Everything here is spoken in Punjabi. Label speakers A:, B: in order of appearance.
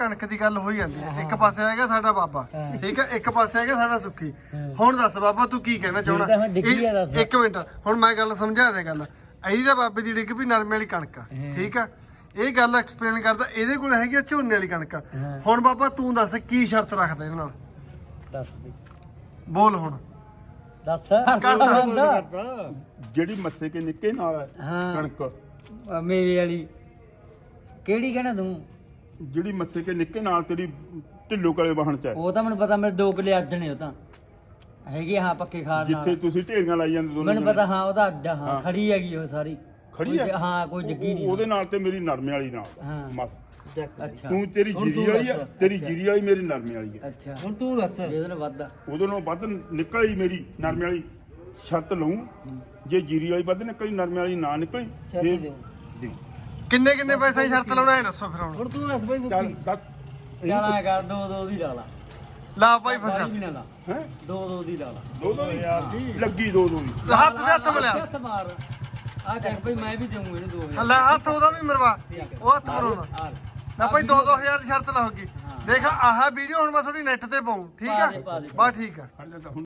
A: ਕਣਕ ਦੀ ਗੱਲ ਹੋਈ ਜਾਂਦੀ ਹੈ। ਇੱਕ ਪਾਸੇ ਹੈਗਾ ਸਾਡਾ ਬਾਬਾ, ਠੀਕ ਹੈ, ਇੱਕ ਪਾਸੇ ਹੈਗਾ ਸਾਡਾ ਸੁੱਖੀ। ਹੁਣ ਦੱਸ ਬਾਬਾ ਤੂੰ ਕੀ ਕਹਿਣਾ ਚਾਹੁੰਦਾ? ਇੱਕ ਮਿੰਟ, ਹੁਣ ਮੈਂ ਗੱਲ ਸਮਝਾ ਦੇ ਗੱਲ। ਇਹਦੀ ਤਾਂ ਬਾਬੇ ਦੀ ਡਿੱਗ ਵੀ ਨਰਮੇ ਵਾਲੀ ਕਣਕ ਆ, ਠੀਕ ਆ। ਇਹ ਗੱਲ ਐਕਸਪਲੇਨ ਕਰਦਾ, ਇਹਦੇ ਕੋਲ ਹੈਗੀ ਆ ਝੋਨੇ ਵਾਲੀ ਕਣਕ। ਹੁਣ ਬਾਬਾ ਤੂੰ ਦੱਸ ਕੀ ਸ਼ਰਤ ਰੱਖਦਾ ਇਹਦੇ ਨਾਲ?
B: ਦੱਸ ਬਈ,
A: ਬੋਲ ਹੁਣ
B: ਦੱਸ
A: ਕਰਦਾ।
C: ਜਿਹੜੀ ਮੱਸੇ ਕੇ ਨਿੱਕੇ ਨਾਲ ਹੈ
B: ਹਾਂ।
C: ਕਣਕ,
B: ਮੇਵੇ ਵਾਲੀ ਕਿਹੜੀ ਕਹਿਣਾ ਤੂੰ?
C: ਜਿਹੜੀ ਮੱਸੇ ਕੇ ਨਿੱਕੇ ਨਾਲ ਤੇਰੀ ਢਿੱਲੋ ਕਲੇ ਵਾਹਣ ਚ ਹੈ,
B: ਉਹ ਤਾਂ ਮੈਨੂੰ ਪਤਾ, ਮੇਰੇ 2 ਕਿੱਲੇ ਅੱਧ ਨੇ। ਉਹ ਤਾਂ ਹੈਗੀ ਹਾਂ ਪੱਕੇ ਖਾਣ
C: ਜਿੱਥੇ
B: ਨਾਲ,
C: ਤੁਸੀਂ ਢੇਰੀਆਂ ਲਾਈ ਜਾਂਦੇ ਦੋਨੇ
B: ਮੈਨੂੰ ਪਤਾ। ਹਾਂ ਉਹਦਾ ਅੱਧ, ਹਾਂ
C: ਹਾਂ।
B: ਖੜੀ ਹੈਗੀ ਉਹ ਸਾਰੀ
C: ਖੜੀ ਹੈ।
B: ਹਾਂ ਕੋਈ ਜੱਗੀ ਨਹੀਂ
C: ਉਹਦੇ ਨਾਲ ਤੇ ਮੇਰੀ ਨਰਮੇ ਵਾਲੀ ਨਾਲ
B: ਹਾਂ।
C: ਮਸ
B: ਅੱਛਾ
C: ਤੂੰ ਤੇਰੀ ਜੀਰੀ ਵਾਲੀ ਆ, ਤੇਰੀ ਜੀਰੀ ਵਾਲੀ ਮੇਰੀ ਨਰਮੇ ਵਾਲੀ ਹੈ।
B: ਅੱਛਾ
D: ਹੁਣ ਤੂੰ ਦੱਸ।
B: ਇਹਦੇ ਨਾਲ ਵੱਧ ਆ।
C: ਉਹਦੇ ਨਾਲੋਂ ਵੱਧ ਨਿਕਲੀ ਮੇਰੀ ਨਰਮੇ ਵਾਲੀ, ਸ਼ਰਤ ਲਊ। ਜੇ ਜੀਰੀ ਵਾਲੀ ਵੱਧ ਨਿਕਲੀ, ਨਰਮੇ ਵਾਲੀ ਨਾ ਨਿਕਲੀ,
D: ਸ਼ਰਤ
C: ਫਿਰ
D: ਦਿਓ।
C: ਦੇ।
A: ਕਿੰਨੇ ਕਿੰਨੇ ਪੈਸੇ ਦੀ ਸ਼ਰਤ ਲਾਉਣਾ ਇਹ ਦੱਸੋ ਫਿਰ ਹੁਣ।
D: ਹੁਣ ਤੂੰ ਦੱਸ ਬਈ
C: ਚੱਲ
D: ਸੁੱਕੀ।
C: ਦੱਸ
B: ਚੱਲ ਐ ਕਰ, 2-2 ਦੀ ਲਾ ਲਾ।
A: ਲਾ ਭਾਈ ਫਿਰ
B: ਬਾਹਲੀ
A: ਸ਼ਰਤ।
B: ਵੀ ਨਾ ਲਾ,
C: ਹੈ
B: 2-2 ਦੀ ਲਾ ਲਾ।
C: ਦੋ ਦੀ ਲੱਗੀ, ਦੋ ਦੀ
A: ਹੱਥ ਦੇ ਹੱਥ ਮਿਲਿਆ।
B: ਹੱਥ ਮਾਰ ਆ ਚੱਕ ਬਈ, ਮੈਂ ਵੀ ਦੇਵਾਂ ਇਹਨੂੰ 2000।
A: ਲੈ ਹੱਥ ਉਹਦਾ ਵੀ ਮਰਵਾ, ਉਹ ਹੱਥ ਮਰਵਾਉਂਦਾ
B: ਆ ਲੈ।
A: ਨਾ ਭਾਈ 2-2000 ਦੀ ਸ਼ਰਤ ਲਾਉਗੀ। ਦੇਖ ਆਹ ਵੀਡੀਓ ਹੁਣ ਮੈਂ ਤੁਹਾਡੀ ਨੈਟ ਤੇ ਪਾਉਂ, ਠੀਕ
B: ਪਾ ਦੇ,
A: ਆ?
B: ਪਾ ਦੇ।
A: ਬਾ ਠੀਕ ਆ।
C: ਹੁਣ